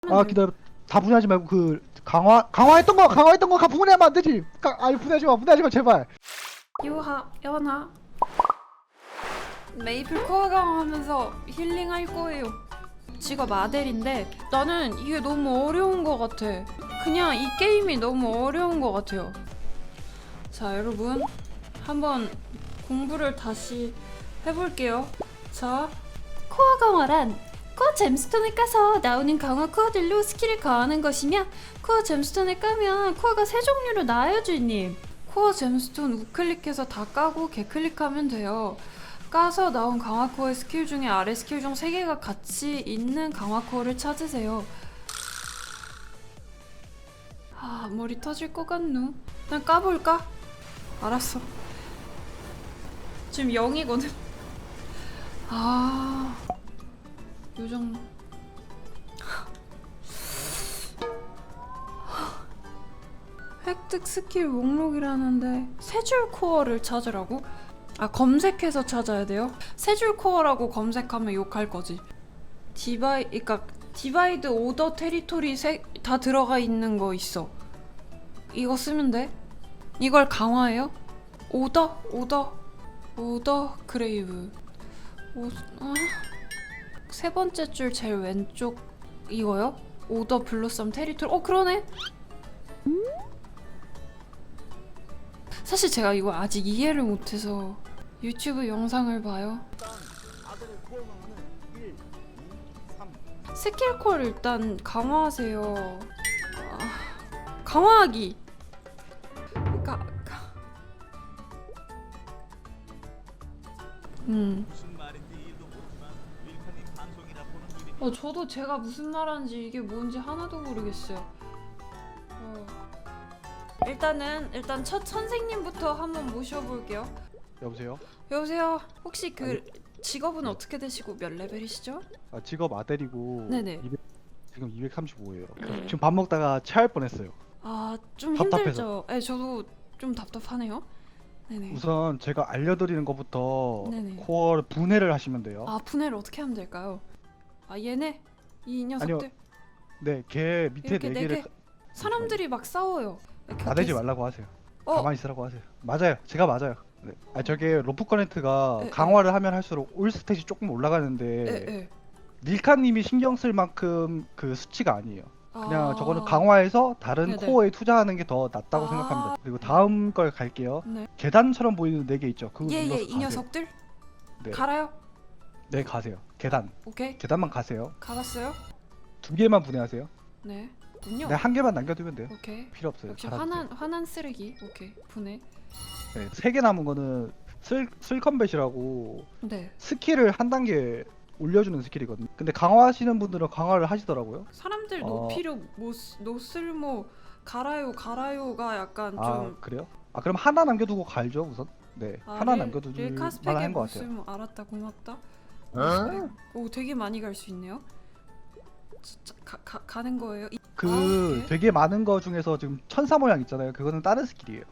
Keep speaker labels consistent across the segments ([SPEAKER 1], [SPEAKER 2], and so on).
[SPEAKER 1] 아 기다려. 다 분해하지 말고 그 강화했던 거 분해하면 안 되지. 아니 분해하지 마 제발.
[SPEAKER 2] 유하, 연하 메이플 코어 강화하면서 힐링할 거예요. 직업 아델인데 나는 이게 너무 어려운 것 같아. 그냥 이 게임이 너무 어려운 것 같아요. 자 여러분 한번 공부를 다시 해볼게요. 자 코어 강화란 코어 잼스톤을 까서 나오는 강화 코어들로 스킬을 강화하는 것이며, 코어 잼스톤을 까면 코어가 세 종류로 나와요 주인님. 코어 잼스톤 우클릭해서 다 까고 개클릭하면 돼요. 까서 나온 강화 코어의 스킬 중에 아래 스킬 중 3개가 같이 있는 강화 코어를 찾으세요. 아 머리 터질 것 같누? 난 까볼까? 알았어. 지금 0이거든. 아 요정 획득 스킬 목록이라는데 세 줄 코어를 찾으라고? 아 검색해서 찾아야 돼요? 세 줄 코어라고 검색하면 욕할 거지. 그러니까 디바이드 오더 테리토리 다 들어가 있는 거 있어. 이거 쓰면 돼? 이걸 강화해요? 오더 그레이브. 세 번째 줄 제일 왼쪽 이거요? 오더 블루썸 테리토리. 그러네. 사실 제가 이거 아직 이해를 못해서 유튜브 영상을 봐요. 스킬 콜 일단 강화하세요. 강화하기. 저도 제가 무슨 말하는지 이게 뭔지 하나도 모르겠어요. 일단 첫 선생님부터 한번 모셔볼게요.
[SPEAKER 1] 여보세요.
[SPEAKER 2] 여보세요. 혹시 그 직업은 어떻게 되시고 몇 레벨이시죠?
[SPEAKER 1] 아 직업 아델이고.
[SPEAKER 2] 네네.
[SPEAKER 1] 지금 235예요.
[SPEAKER 2] 네.
[SPEAKER 1] 지금 밥 먹다가 체할 뻔했어요.
[SPEAKER 2] 좀
[SPEAKER 1] 답답해서.
[SPEAKER 2] 힘들죠? 네, 저도 좀 답답하네요. 네네.
[SPEAKER 1] 우선 제가 알려드리는 것부터
[SPEAKER 2] 네네.
[SPEAKER 1] 코어를 분해를 하시면 돼요.
[SPEAKER 2] 분해를 어떻게 하면 될까요? 얘네 이 녀석들.
[SPEAKER 1] 아니요. 네, 걔 밑에
[SPEAKER 2] 이렇게
[SPEAKER 1] 4개를
[SPEAKER 2] 사람들이 막 싸워요. 이렇게
[SPEAKER 1] 나대지 말라고 하세요.
[SPEAKER 2] 어.
[SPEAKER 1] 가만히 있으라고 하세요. 맞아요. 제가 맞아요. 네. 저게 로프 커넥트가
[SPEAKER 2] 에, 에.
[SPEAKER 1] 강화를 하면 할수록 올 스탯이 조금 올라가는데
[SPEAKER 2] 에.
[SPEAKER 1] 릴카님이 신경 쓸 만큼 그 수치가 아니에요. 그냥 저거는 강화해서 다른
[SPEAKER 2] 네네.
[SPEAKER 1] 코어에 투자하는 게 더 낫다고
[SPEAKER 2] 아.
[SPEAKER 1] 생각합니다. 그리고 다음 걸 갈게요.
[SPEAKER 2] 네.
[SPEAKER 1] 계단처럼 보이는 4개 있죠. 그거
[SPEAKER 2] 예예
[SPEAKER 1] 눌러서
[SPEAKER 2] 이
[SPEAKER 1] 가세요.
[SPEAKER 2] 녀석들
[SPEAKER 1] 네.
[SPEAKER 2] 갈아요.
[SPEAKER 1] 네, 가세요. 계단.
[SPEAKER 2] 오케이
[SPEAKER 1] 계단만 가세요.
[SPEAKER 2] 가봤어요.
[SPEAKER 1] 2개만 분해하세요.
[SPEAKER 2] 네. 군요.
[SPEAKER 1] 네, 1개만 남겨두면 돼요.
[SPEAKER 2] 오케이.
[SPEAKER 1] 필요 없어요.
[SPEAKER 2] 역시
[SPEAKER 1] 갈아주세요.
[SPEAKER 2] 화난 쓰레기. 오케이 분해.
[SPEAKER 1] 네, 3개 남은 거는 슬컴뱃이라고
[SPEAKER 2] 네.
[SPEAKER 1] 스킬을 한 단계 올려주는 스킬이거든요. 근데 강화하시는 분들은 강화를 하시더라고요.
[SPEAKER 2] 사람들
[SPEAKER 1] 어.
[SPEAKER 2] 노필요 노쓸모 갈아요가 약간
[SPEAKER 1] 아
[SPEAKER 2] 좀
[SPEAKER 1] 그래요? 그럼 하나 남겨두고 갈죠 우선. 네, 하나 남겨두면
[SPEAKER 2] 릴카스펙에
[SPEAKER 1] 만한 것 같아요.
[SPEAKER 2] 모쓸모 알았다 고맙다. 오 되게 많이 갈 수 있네요. 진짜 가는 거예요?
[SPEAKER 1] 그
[SPEAKER 2] 오케이.
[SPEAKER 1] 되게 많은 거 중에서 지금 천사 모양 있잖아요. 그거는 다른 스킬이에요.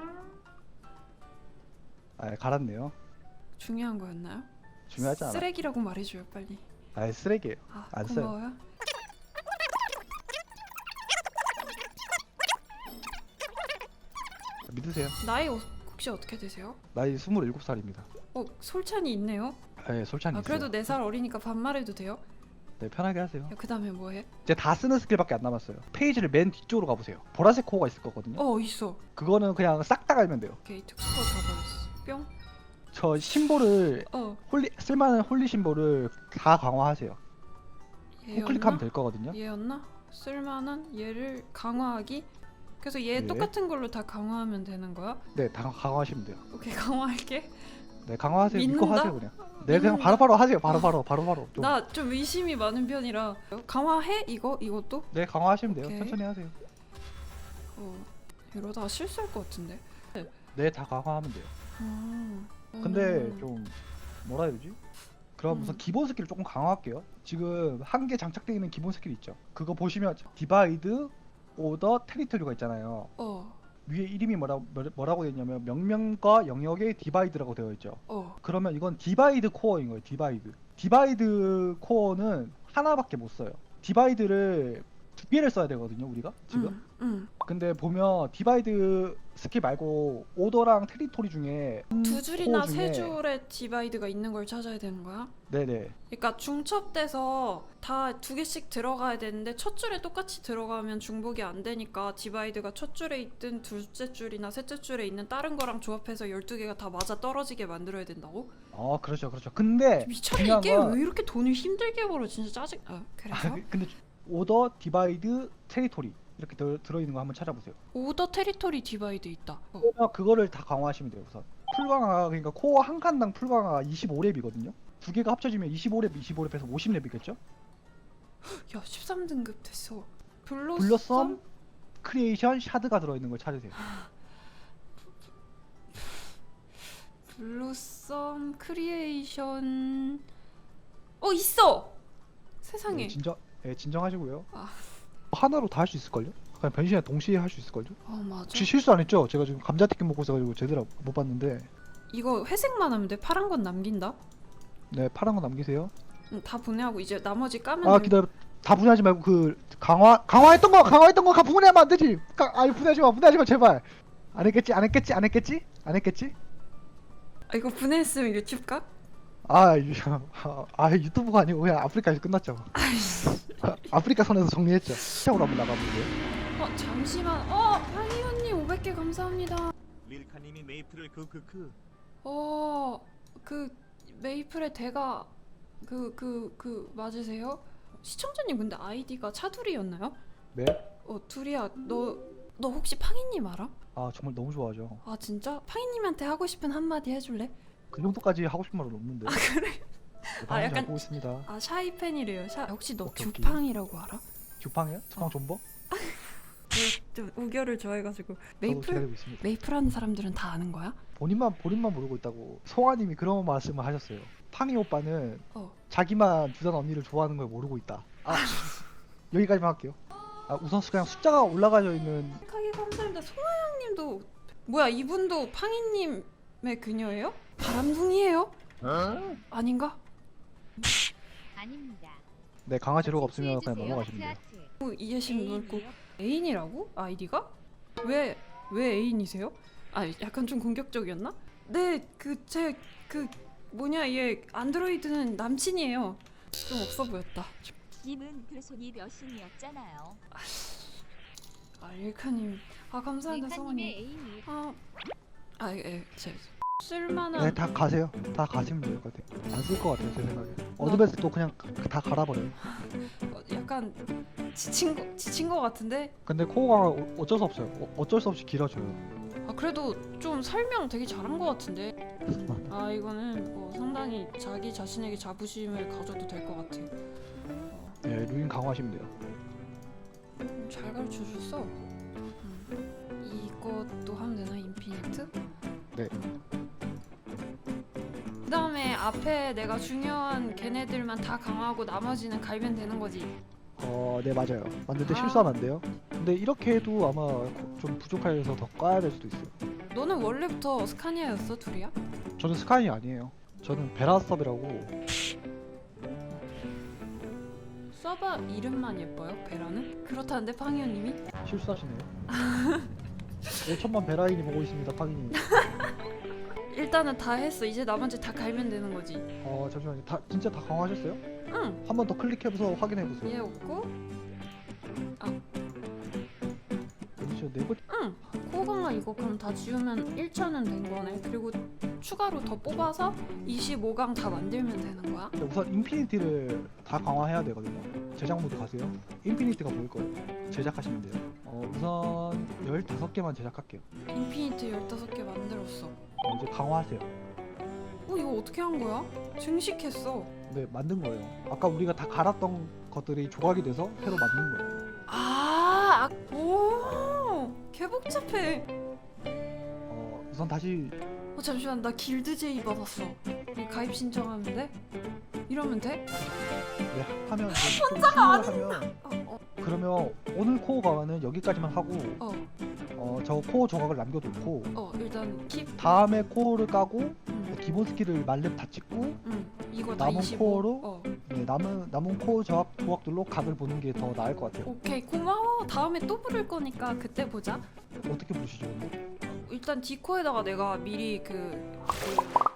[SPEAKER 1] 갈았네요.
[SPEAKER 2] 중요한 거였나요?
[SPEAKER 1] 중요하지 않아.
[SPEAKER 2] 쓰레기라고 말해줘요 빨리.
[SPEAKER 1] 쓰레기예요. 안 써요.
[SPEAKER 2] 고마워요.
[SPEAKER 1] 믿으세요.
[SPEAKER 2] 나이 혹시 어떻게 되세요?
[SPEAKER 1] 나이 27살입니다.
[SPEAKER 2] 솔찬이 있네요.
[SPEAKER 1] 네, 솔찬이 있어요.
[SPEAKER 2] 그래도 4살 어리니까 반말해도 돼요?
[SPEAKER 1] 네, 편하게 하세요.
[SPEAKER 2] 그 다음에 뭐해?
[SPEAKER 1] 이제 다 쓰는 스킬밖에 안 남았어요. 페이지를 맨 뒤쪽으로 가보세요. 보라색 코어가 있을 거거든요.
[SPEAKER 2] 있어.
[SPEAKER 1] 그거는 그냥 싹 다 갈면 돼요.
[SPEAKER 2] 오케이 특수가 다 버렸어. 뿅.
[SPEAKER 1] 저 심볼을 쓸만한 홀리 심볼을 다 강화하세요. 우클릭하면 될 거거든요.
[SPEAKER 2] 얘였나? 쓸만한 얘를 강화하기? 그래서 얘
[SPEAKER 1] 네.
[SPEAKER 2] 똑같은 걸로 다 강화하면 되는 거야?
[SPEAKER 1] 네, 다 강화하시면 돼요.
[SPEAKER 2] 오케이 강화할게.
[SPEAKER 1] 네, 강화하세요. 믿고
[SPEAKER 2] 믿는다?
[SPEAKER 1] 하세요 그냥. 네, 그냥
[SPEAKER 2] 믿는다?
[SPEAKER 1] 바로바로 하세요. 바로바로. 좀.
[SPEAKER 2] 나 좀 의심이 많은 편이라 강화해? 이것도?
[SPEAKER 1] 네, 강화하시면 돼요.
[SPEAKER 2] 오케이.
[SPEAKER 1] 천천히 하세요.
[SPEAKER 2] 이러다가 실수할 것 같은데.
[SPEAKER 1] 네, 다 강화하면 돼요. 근데 좀 뭐라 해야 되지? 그럼 우선 기본 스킬을 조금 강화할게요. 지금 한 개 장착되어 있는 기본 스킬 있죠. 그거 보시면 디바이드, 오더, 테리토리가 있잖아요. 위에 이름이 뭐라고 되어 있냐면 명령과 영역의 디바이드라고 되어 있죠. 그러면 이건 디바이드 코어인 거예요. 디바이드 코어는 하나밖에 못 써요. 디바이드를 2개를 써야 되거든요 우리가 지금. 근데 보면 디바이드 스킬 말고 오더랑 테리토리 중에
[SPEAKER 2] 두 줄이나
[SPEAKER 1] 코어 중에-
[SPEAKER 2] 세 줄의 디바이드가 있는 걸 찾아야 되는 거야?
[SPEAKER 1] 네네.
[SPEAKER 2] 그러니까 중첩돼서 다 2개씩 들어가야 되는데 첫 줄에 똑같이 들어가면 중복이 안 되니까 디바이드가 첫 줄에 있든 둘째 줄이나 셋째 줄에 있는 다른 거랑 조합해서 12개가 다 맞아 떨어지게 만들어야 된다고?
[SPEAKER 1] 그렇죠 그렇죠. 근데
[SPEAKER 2] 미쳤네.
[SPEAKER 1] 중요한
[SPEAKER 2] 이게
[SPEAKER 1] 건-
[SPEAKER 2] 왜 이렇게 돈을 힘들게 벌어 진짜 짜증. 그래서
[SPEAKER 1] 근데 오더 디바이드 테리토리 이렇게 들어있는 거 한번 찾아보세요.
[SPEAKER 2] 오더 테리토리 디바이드 있다.
[SPEAKER 1] 그러면 그거를 다 강화하시면 돼요 우선. 풀강화 그러니까 코어 한 칸당 풀강화가 25렙이거든요. 두 개가 합쳐지면 25렙에서 50렙이겠죠?
[SPEAKER 2] 야 13등급 됐어.
[SPEAKER 1] 블러썸 크리에이션 샤드가 들어있는 걸 찾으세요.
[SPEAKER 2] 블루썸 크리에이션 있어. 세상에.
[SPEAKER 1] 진정하시고요.
[SPEAKER 2] 아.
[SPEAKER 1] 하나로 다 할 수 있을걸요? 그냥 변신이랑 동시에 할 수 있을걸요?
[SPEAKER 2] 맞아.
[SPEAKER 1] 혹시 실수 안 했죠? 제가 지금 감자튀김 먹고 있어가지고 제대로 못 봤는데.
[SPEAKER 2] 이거 회색만 하면 돼. 파란 건 남긴다.
[SPEAKER 1] 네, 파란 거 남기세요.
[SPEAKER 2] 다 분해하고 이제 나머지 까면 돼.
[SPEAKER 1] 기다려. 다 분해하지 말고 그 강화했던 거 분해하면 안 되지. 분해하지 마 제발. 안 했겠지?
[SPEAKER 2] 이거 분해했으면 유튜브 각?
[SPEAKER 1] 유튜브가 아니고 그냥 아프리카에서 끝났죠. 아프리카 선에서 정리했죠. 시작으로 한번 나가볼게요.
[SPEAKER 2] 잠시만. 황희원님 500개 감사합니다.
[SPEAKER 3] 릴카님이 메이플을
[SPEAKER 2] 그 메이플의 대가 맞으세요? 시청자님 근데 아이디가 차두리였나요?
[SPEAKER 1] 네.
[SPEAKER 2] 두리야 너 혹시 팡이님 알아?
[SPEAKER 1] 정말 너무 좋아하죠.
[SPEAKER 2] 진짜? 팡이님한테 하고 싶은 한마디 해줄래?
[SPEAKER 1] 그 정도까지 하고 싶은 말은 없는데.
[SPEAKER 2] 그래?
[SPEAKER 1] 방금
[SPEAKER 2] 약간-
[SPEAKER 1] 잘 보고 있습니다.
[SPEAKER 2] 샤이 팬이래요. 혹시 너
[SPEAKER 1] 오케이, 오케이.
[SPEAKER 2] 규팡이라고 알아?
[SPEAKER 1] 규팡이요? 투팡 존버?
[SPEAKER 2] 좀 우결을 좋아해가지고
[SPEAKER 1] 저도
[SPEAKER 2] 메이플
[SPEAKER 1] 기다리고 있습니다.
[SPEAKER 2] 메이플 하는 사람들은 다 아는 거야?
[SPEAKER 1] 본인만 모르고 있다고 송아님이 그런 말씀을 하셨어요. 팡이 오빠는
[SPEAKER 2] 어.
[SPEAKER 1] 자기만 두단 언니를 좋아하는 걸 모르고 있다. 여기까지만 할게요. 우선 그냥 숫자가 올라가져 있는.
[SPEAKER 2] 하게 감사합니다. 송하영님도 뭐야 이분도 팡이님의 그녀예요? 바람둥이에요? 아닌가?
[SPEAKER 4] 아닙니다.
[SPEAKER 1] 네, 강화 재료가 없으면 그냥 넘어가시면 돼요.
[SPEAKER 2] 이해심 넓고 애인이라고? 아이디가? 왜 애인이세요? 약간 좀 공격적이었나? 네, 얘 안드로이드는 남친이에요. 좀 없어 보였다.
[SPEAKER 4] 님은 그 손이 몇신이었잖아요.
[SPEAKER 2] 릴카님, 감사합니다, 성원님.
[SPEAKER 4] 애인이
[SPEAKER 2] 쓸만한.
[SPEAKER 1] 네, 다 가세요. 다 가시면 될 것 같아요. 안 쓸 것 같아요, 제 생각에. 어드밴스 또 그냥 다 갈아버려요.
[SPEAKER 2] 약간 지친 거 같은데.
[SPEAKER 1] 근데 코어가 어쩔 수 없어요. 어쩔 수 없이 길어져요.
[SPEAKER 2] 그래도 좀 설명 되게 잘한 거 같은데. 이거는 뭐 상당히 자기 자신에게 자부심을 가져도 될 것 같아.
[SPEAKER 1] 네, 루인 강화하시면 돼요.
[SPEAKER 2] 잘 가르쳐 줬어. 이것도 하면 되나 인피니트?
[SPEAKER 1] 네.
[SPEAKER 2] 그다음에 앞에 내가 중요한 걔네들만 다 강화하고 나머지는 갈면 되는 거지.
[SPEAKER 1] 네, 맞아요. 만들 때
[SPEAKER 2] 아.
[SPEAKER 1] 실수하면 안 돼요. 근데 이렇게 해도 아마 좀 부족해서 더 까야 될 수도 있어요.
[SPEAKER 2] 너는 원래부터 스카니아였어, 둘이야?
[SPEAKER 1] 저는 스카이 아니에요. 저는 베라섭이라고.
[SPEAKER 2] 서버 이름만 예뻐요, 베라는? 그렇다는데 팡이언님이?
[SPEAKER 1] 실수하시네요. 5천만 베라인이 보고 있습니다, 팡이님.
[SPEAKER 2] 일단은 다 했어. 이제 나머지 다 갈면 되는 거지.
[SPEAKER 1] 잠시만요. 진짜 다 강화하셨어요?
[SPEAKER 2] 응.
[SPEAKER 1] 한 번 더 클릭해서 확인해보세요.
[SPEAKER 2] 얘 없고.
[SPEAKER 1] 어디죠? 네버.
[SPEAKER 2] 응. 코강아 이거 그럼 다 지우면 1차는 된 거네. 그리고 추가로 더 뽑아서 25강 다 만들면 되는 거야?
[SPEAKER 1] 우선 인피니티를 다 강화해야 되거든요. 제작 모드 가세요. 인피니티가 보일 거예요. 제작하시면 돼요. 우선 15개만 제작할게요.
[SPEAKER 2] 인피니트 15개 만들었어.
[SPEAKER 1] 이제 강화하세요.
[SPEAKER 2] 이거 어떻게 한 거야? 증식했어.
[SPEAKER 1] 네, 만든 거예요. 아까 우리가 다 갈았던 것들이 조각이 돼서 새로 만든 거예요.
[SPEAKER 2] 오, 개 복잡해.
[SPEAKER 1] 우선 다시.
[SPEAKER 2] 잠시만, 나 길드 제이 받았어. 이 가입 신청하면 돼? 이러면 돼?
[SPEAKER 1] 네, 하면 혼자가 아니면
[SPEAKER 2] 어.
[SPEAKER 1] 그러면 오늘 코어 강화는 여기까지만 하고 저 코어 조각을 남겨놓고
[SPEAKER 2] 일단 킵.
[SPEAKER 1] 다음에 코어를 까고 기본 스킬을 만렙 다 찍고
[SPEAKER 2] 이거 다
[SPEAKER 1] 남은
[SPEAKER 2] 25.
[SPEAKER 1] 코어로 네, 네, 남은 코어 조각들로 각을 보는 게 더 나을 것 같아요.
[SPEAKER 2] 오케이 고마워. 다음에 또 부를 거니까 그때 보자.
[SPEAKER 1] 어떻게 보시죠? 근데?
[SPEAKER 2] 일단 디코에다가 내가 미리 그